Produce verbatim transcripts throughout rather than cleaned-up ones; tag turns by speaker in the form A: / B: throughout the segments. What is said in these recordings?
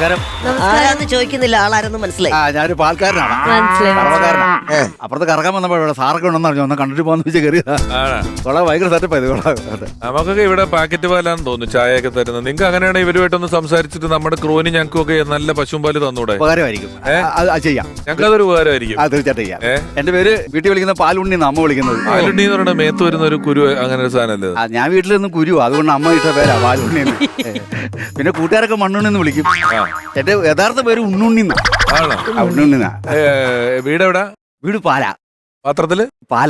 A: നമസ്കാരം.
B: ആരാന്ന് ചോദിക്കുന്നില്ല, ആളാരെന്ന് മനസ്സിലായി.
A: ആ ഞാനൊരു പാൽക്കാരനാണ്,
C: മനസ്സിലായി.
A: കറവക്കാരനാണ്. അപ്പുറത്ത് കറക്കാൻ വന്നപ്പോ ഇവിടെ സാറൊക്കെ ഉണ്ടെന്ന് പറഞ്ഞു, ഒന്ന് കണ്ടിട്ട് പോകാന്ന് വെച്ചാൽ കയറിയതാ. കൊള്ളാം, ഭയങ്കര സെറ്റപ്പ് ഇത്. കൊള്ളാം.
D: നമുക്കൊക്കെ ഇവിടെ പാക്കറ്റ് പാലാന്ന് തോന്നുന്നു ചായയൊക്കെ തരുന്നത്. നിങ്ങൾക്ക് അങ്ങനെയാണെങ്കിൽ ഇവരുമായിട്ടൊന്ന് സംസാരിച്ചിട്ട് നമ്മുടെ ക്രോന് ഞങ്ങൾക്കും ഒക്കെ നല്ല പശുമ്പാല് തന്നൂടെ?
A: ഉപകാരമായിരിക്കും, ചെയ്യാം.
D: ഞങ്ങൾക്ക് അതൊരു ഉപകാരമായിരിക്കും.
A: ആ തീർച്ചയായിട്ടും ചെയ്യാം. എന്റെ പേര് വീട്ടിൽ വിളിക്കുന്ന പാലുണ്ണി, അമ്മ വിളിക്കുന്നത്
D: പാലുണ്ണി എന്ന് പറയുന്നത് മേത്ത് വരുന്ന ഒരു കുരു, അങ്ങനെ ഒരു സാധനമല്ലേ?
A: ഞാൻ വീട്ടിൽ നിന്ന് കുരു, അതുകൊണ്ട് അമ്മ ഇട്ട പേരാ പാലുണ്ണി. പിന്നെ കൂട്ടുകാരൊക്കെ മണ്ണുണ്ണി എന്ന് വിളിക്കും. എന്റെ യഥാർത്ഥ പേര് ഉണ്ണുണ്ണി. ഉണ്ണുണ്ണി.
D: വീടെവിടാ?
A: വീട് പാല.
D: പാത്രത്തില്
A: പാല.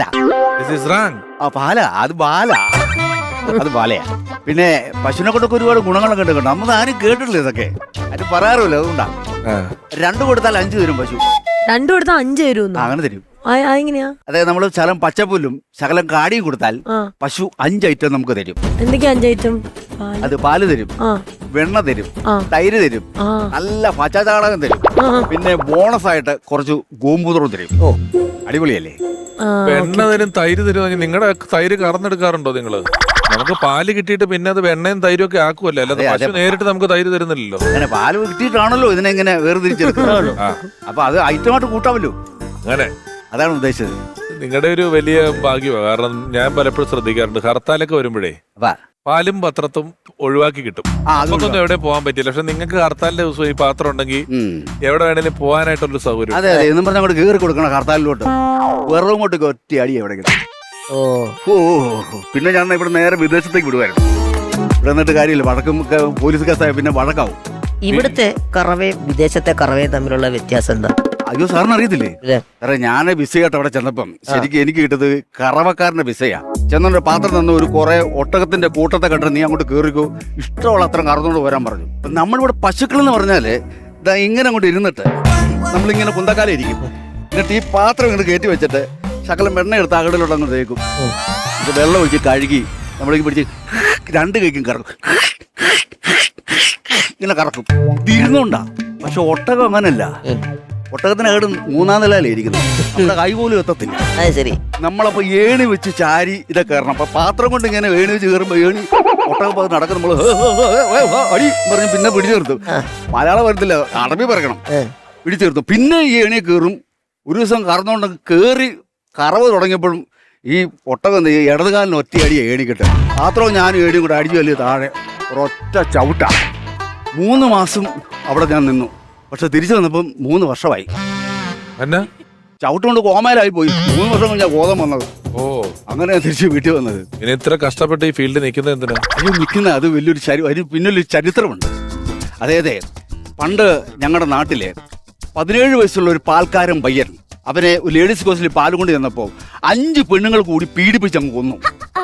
A: ആ പാല, അത് ബാല, അത് ബാലയാ. പിന്നെ പശുവിനെ കൊണ്ടൊക്കെ ഒരുപാട് ഗുണങ്ങളൊക്കെ ഉണ്ട്. നമ്മൾ ആരും കേട്ടിട്ടില്ല ഇതൊക്കെ, അത് പറയാറില്ല. അതുകൊണ്ടാ രണ്ടു കൊടുത്താൽ അഞ്ചു തരും പശു.
C: രണ്ടു കൊടുത്താൽ അഞ്ചു തരും,
A: അങ്ങനെ തരും.
C: എങ്ങനെയാ?
A: അതായത് നമ്മള് ശകലം പച്ചപ്പുല്ലും ശകലം കാടിയും കൊടുത്താൽ പശു അഞ്ച് ഐറ്റം നമുക്ക് തരും.
C: എന്തൊക്കെയാ അഞ്ച് ഐറ്റം?
A: അത് പാല് തരും, വെണ്ണ തരും, തൈര് തരും, നല്ല പച്ചചാണകം തരും, പിന്നെ ബോണസ് ആയിട്ട് കുറച്ച് ഗോമൂത്രവും തരും. ഓ അടിപൊളിയല്ലേ?
D: വെണ്ണ തരും, തൈര് തരും. നിങ്ങളുടെ തൈര് കറന്നെടുക്കാറുണ്ടോ നിങ്ങള്? നമുക്ക് പാല് കിട്ടിയിട്ട് പിന്നെ അത് വെണ്ണയും തൈരും ഒക്കെ ആക്കുമല്ലോ, അല്ലാതെ പശു നേരിട്ട് നമുക്ക് തൈര് തരുന്നില്ലല്ലോ.
A: അങ്ങനെ പാല് കിട്ടിയിട്ടാണല്ലോ ഇതിനെങ്ങനെ വേർതിരിച്ചെടുക്കുന്നത്. അപ്പൊ അത് ഐറ്റമായിട്ട് കൂട്ടാമല്ലോ.
D: അങ്ങനെ
A: അതാണ് ഉദ്ദേശിച്ചത്.
D: നിങ്ങളുടെ ഒരു വലിയ ഭാഗ്യമാണ്. കാരണം ഞാൻ പലപ്പോഴും ശ്രദ്ധിക്കാറുണ്ട്, ഹർത്താലൊക്കെ വരുമ്പോഴേ പാലും പത്രത്തും ഒഴിവാക്കി കിട്ടും. നമുക്കൊന്നും എവിടെ പോകാൻ പറ്റില്ല. പക്ഷെ നിങ്ങൾക്ക് ഹർത്താലിന്റെ ദിവസം ഈ പാത്രം ഉണ്ടെങ്കിൽ എവിടെ വേണേലും പോകാനായിട്ടുള്ള സൗകര്യം.
A: അതെ അതെ, എന്നും പറഞ്ഞാൽ അങ്ങോട്ട് കയറി കൊടുക്കണം ഹർത്താലിലോട്ട്. വെറും കൊണ്ട് ഒറ്റ അടി എവിടെ. ഓ ഓ പിന്നെ ഞാൻ ഇവിടെ നേരെ വിദേശത്തേക്ക് വിടുവായിരുന്നു. ഇവിടെ നിന്നിട്ട് കാര്യമില്ല, വഴക്കും പോലീസ് കേസായ പിന്നെ വഴക്കാവും.
B: ഇവിടുത്തെ കറവയും വിദേശത്തെ കറവയും തമ്മിലുള്ള വ്യത്യാസം എന്താ?
A: അയ്യോ സാറിന് അറിയത്തില്ലേ? സാറേ ഞാൻ വിസയായിട്ട് അവിടെ ചെന്നപ്പം ശരിക്കും എനിക്ക് കിട്ടത് കറവക്കാരന്റെ വിസയാ. ചെന്നൊരു പാത്രം തന്ന ഒരു കുറെ ഒട്ടകത്തിന്റെ കൂട്ടത്തെ കണ്ടിട്ട് നീ അങ്ങോട്ട് കയറിക്കോ, ഇഷ്ടമുള്ള അത്ര കറന്നുകൊണ്ട് വരാൻ പറഞ്ഞു. നമ്മളിവിടെ പശുക്കൾ എന്ന് പറഞ്ഞാല് ഇതാ ഇങ്ങനെ അങ്ങോട്ട് ഇരുന്നിട്ട് നമ്മളിങ്ങനെ കുന്തക്കാലം ഇരിക്കും. എന്നിട്ട് ഈ പാത്രം ഇങ്ങോട്ട് കയറ്റി വെച്ചിട്ട് ശകലം വെണ്ണ എടുത്ത് അകടിലോട്ട് അങ്ങ് തേക്കും. ഇത് വെള്ളം ഒഴിച്ച് കഴുകി നമ്മളേക്ക് പിടിച്ച് രണ്ട് കൈക്കും കറക്കും, ഇങ്ങനെ കറക്കും. തിരുന്നുണ്ടാ. പക്ഷെ ഒട്ടകം അങ്ങനല്ല. ഒട്ടകത്തിനകട് മൂന്നാം നിലയിലേ ഇരിക്കുന്നത്, നമ്മുടെ കൈ പോലും എത്തത്തില്ല.
B: ശരി.
A: നമ്മളപ്പോ ഏണി വെച്ച് ചാരി ഇതൊക്കെ കയറണം. അപ്പൊ പാത്രം കൊണ്ട് ഇങ്ങനെ ഏണി വെച്ച് കയറുമ്പോ ഏണി ഒട്ടകം നടക്കും. നമ്മള് അടി പറഞ്ഞ് പിന്നെ പിടിച്ചു നിർത്തും. മലയാളം വരത്തില്ല, അറബി പറയണം. പിടിച്ചു നിർത്തും. പിന്നെ ഈ ഏണിയെ കയറും. ഒരു ദിവസം കറന്നുകൊണ്ട് കയറി കറവ് തുടങ്ങിയപ്പോഴും ഈ ഒട്ടകം ഈ ഇടതുകാലിന് ഒറ്റ അടി ഏണി കിട്ടും. പാത്രവും ഞാനും ഏണിയും കൂടെ അടിച്ചു വലിയ താഴെ ഒരൊറ്റ ചവിട്ടാ. മൂന്ന് മാസം അവിടെ ഞാൻ നിന്നു. പക്ഷെ തിരിച്ചു വന്നപ്പം മൂന്ന് വർഷമായി. ചവിട്ടുകൊണ്ട് കോമയിലായി പോയി. മൂന്ന് വർഷം കഴിഞ്ഞാൽ ബോധം വന്നത്. ഓ അങ്ങനെ തിരിച്ച് വീട്ടിൽ വന്നത്.
D: ഇനി ഇത്ര കഷ്ടപ്പെട്ട് ഈ ഫീൽഡിൽ നിൽക്കുന്നത് എന്തിനാ?
A: അയ്യോ നിൽക്കുന്ന അത് വലിയൊരു ചരി അതിന് പിന്നൊരു ചരിത്രമുണ്ട്. അതെ അതെ, പണ്ട് ഞങ്ങളുടെ നാട്ടിലെ പതിനേഴ് വയസ്സുള്ള ഒരു പാൽക്കാരൻ പയ്യൻ അവനെ ലേഡീസ് കോഴ്സിൽ പാല് കൊണ്ട് ചെന്നപ്പോൾ അഞ്ച് പെണ്ണുങ്ങൾ കൂടി പീഡിപ്പിച്ച് അങ്ങ് കൊന്നു.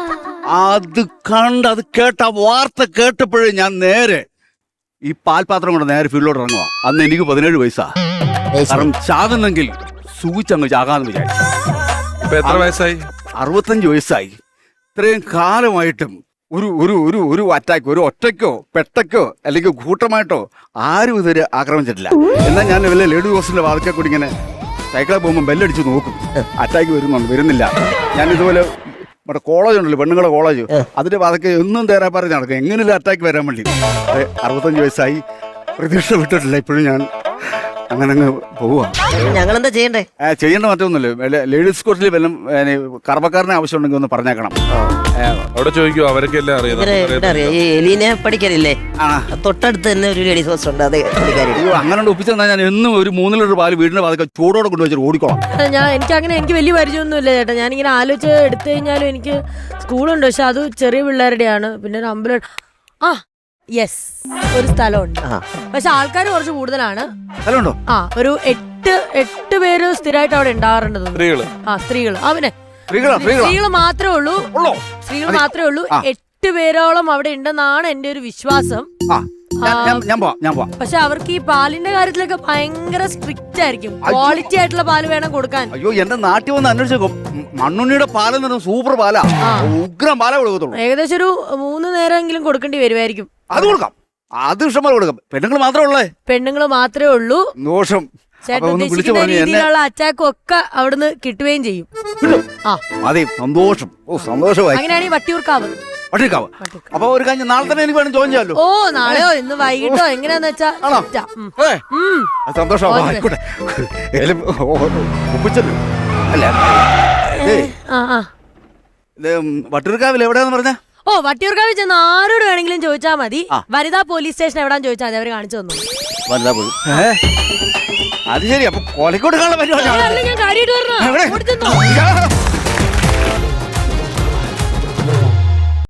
A: അത് കണ്ട് അത് കേട്ട വാർത്ത കേട്ടപ്പോഴേ ഞാൻ നേരെ ഈ പാൽപാത്രം കൊണ്ട് നേരെ ഫീൽഡിലോട്ട് ഇറങ്ങുക. അന്ന് എനിക്ക് പതിനേഴ് വയസ്സാ. കാരണം ചാകുന്നെങ്കിൽ സൂചിച്ചങ്ങ് ചാകാന്ന് വിചാരിച്ചു.
D: എത്ര വയസ്സായി?
A: അറുപത്തഞ്ച് വയസ്സായി. ഇത്രയും കാലമായിട്ടും ഒരു ഒരു ഒരു ഒരു അറ്റാക്ക് ഒരു ഒറ്റയ്ക്കോ പെട്ടയ്ക്കോ അല്ലെങ്കിൽ കൂട്ടമായിട്ടോ ആരും ഇതുവരെ ആക്രമിച്ചിട്ടില്ല. എന്നാൽ ഞാൻ വല്ല ലേഡി ഹോസ്റ്റലിന്റെ വാതിക്കെ കൂടി ഇങ്ങനെ സൈക്കിളിൽ പോകുമ്പോൾ ബെല്ലടിച്ച് നോക്കും, അറ്റാക്ക് വരുന്നുണ്ട്, വരുന്നില്ല. ഞാൻ ഇതുപോലെ നമ്മുടെ കോളേജ് ഉണ്ടല്ലോ, പെണ്ണുങ്ങളുടെ കോളേജ്, അതിന്റെ വാതൊക്കെ എന്നും തേരാ പറഞ്ഞ് നടക്കും എങ്ങനെയുള്ള അറ്റാക്ക് വരാൻ വേണ്ടി. അറുപത്തഞ്ച് വയസ്സായി, പ്രതീക്ഷ വിട്ടിട്ടില്ല. ഇപ്പോഴും ഞാൻ അങ്ങനെ അങ്ങ് പോവാ.
B: ഞങ്ങളെന്താ ചെയ്യണ്ടേ?
A: ചെയ്യേണ്ട മറ്റൊന്നുമില്ല. ലേഡീസ് കോഴ്സിൽ വല്ലതും കറവക്കാരനെ ആവശ്യമുണ്ടെങ്കിൽ ഒന്ന് പറഞ്ഞേക്കണം.
D: അവിടെ ചോദിക്കോ, അവരൊക്കെ എല്ലാം
B: അറിയാം. ഈ എലീനെ പഠിക്കാനില്ലേ, തൊട്ടടുത്ത് തന്നെ ഒരു ലേഡീസ് ഹോസ്റ്റൽ ഉണ്ട്, അത് പഠിക്കാനില്ല.
A: അയ്യോ അങ്ങനെ ഒപ്പിച്ചു തന്നാൽ ഞാൻ എന്നും ഒരു മൂന്ന് ലിറ്റർ പാല് വീടിന്റെ പാതൊക്കെ ചൂടോടെ കൊണ്ടുവച്ചിട്ട് ഓടിക്കോളാം.
C: ഞാൻ എനിക്ക് അങ്ങനെ എനിക്ക് വലിയ പരിചയമൊന്നുമില്ല ചേട്ടാ. ഞാനിങ്ങനെ ആലോചിച്ച് എടുത്തു കഴിഞ്ഞാലും എനിക്ക് സ്കൂളുണ്ട്, പക്ഷെ അത് ചെറിയ പിള്ളേരുടെയാണ്. പിന്നെ ഒരു അമ്പലം, ആ യെസ് ഒരു സ്ഥലമുണ്ട്, പക്ഷെ ആൾക്കാർ കുറച്ച് കൂടുതലാണ്. ആ ഒരു എട്ട് എട്ട് പേര് സ്ഥിരമായിട്ട് അവിടെ ഉണ്ടാവാറുണ്ട്. ആ സ്ത്രീകള്, അവനെ സ്ത്രീകള് മാത്രമേ ഉള്ളൂ സ്ത്രീകൾ മാത്രമേ ഉള്ളൂ എട്ട് പേരോളം അവിടെ ഉണ്ടെന്നാണ് എന്റെ ഒരു വിശ്വാസം. പക്ഷെ അവർക്ക് ഈ പാലിന്റെ കാര്യത്തിലൊക്കെ ഭയങ്കര സ്ട്രിക്റ്റ് ആയിരിക്കും. ക്വാളിറ്റി ആയിട്ടുള്ള പാല് വേണം കൊടുക്കാൻ.
A: അയ്യോ എന്റെ നാട്ടിൽ വന്ന് അന്വേഷിച്ചോ, മണ്ണുണ്ണിയുടെ പാലെന്ന് സൂപ്പർ പാലാ, ഉഗ്രം പാലാ കൊടുക്കത്തുള്ളൂ.
C: ഏകദേശം ഒരു മൂന്ന് നേരമെങ്കിലും കൊടുക്കേണ്ടി വരുമായിരിക്കും.
A: അത് കൊടുക്കാം, അത് ഇഷ്ടംപോലെ കൊടുക്കാം. പെണ്ണുങ്ങൾ മാത്രമേ ഉള്ളേ പെണ്ണുങ്ങൾ
C: മാത്രമേ ഉള്ളൂ.
A: ദോഷം
C: രീതിയിലുള്ള അറ്റാക്കും ഒക്കെ അവിടുന്ന് കിട്ടുകയും ചെയ്യും.
A: അതെ, സന്തോഷം. ഓ സന്തോഷമായി.
C: അങ്ങനെയാണെങ്കിൽ വട്ടിയൂർക്കാവ്
A: വട്ടിയൂർക്കാവ്. അപ്പൊ ഒരു കാര്യം നാളെ തന്നെ എനിക്ക് വേണം ജോയിൻ ചെയ്യാമല്ലോ.
C: ഓ നാളെയോ ഇന്ന് വൈകിട്ടോ എങ്ങനെയാന്ന് വെച്ചാ
A: ആണോ?
C: സെറ്റാ. ഉം.
A: ഏ,
C: ഉം.
A: അത് സന്തോഷം. ആയിക്കോട്ടെ. ഏലും ഒപ്പിച്ചല്ലോ അല്ല. ഏയ്,
C: ആ ആ
A: ഇത് വട്ടിയൂർക്കാവിൽ എവിടെയാന്ന് പറഞ്ഞ?
C: ഓ വട്ടിയൂർക്കാവിൽ ചെന്ന് ആരോട് വേണമെങ്കിലും ചോദിച്ചാൽ മതി.
A: ആ.
C: വനിതാ പോലീസ് സ്റ്റേഷൻ എവിടാന്ന് ചോദിച്ചാൽ മതി, അവര് കാണിച്ചു തന്നു.
A: വനിതാ പോയി. അത് ശരി. അപ്പൊ കൊലക്കോട് കാണാൻ
C: അല്ല, ഞാൻ കാര്യമായിട്ട്
A: എവിടെ?
C: പറഞ്ഞ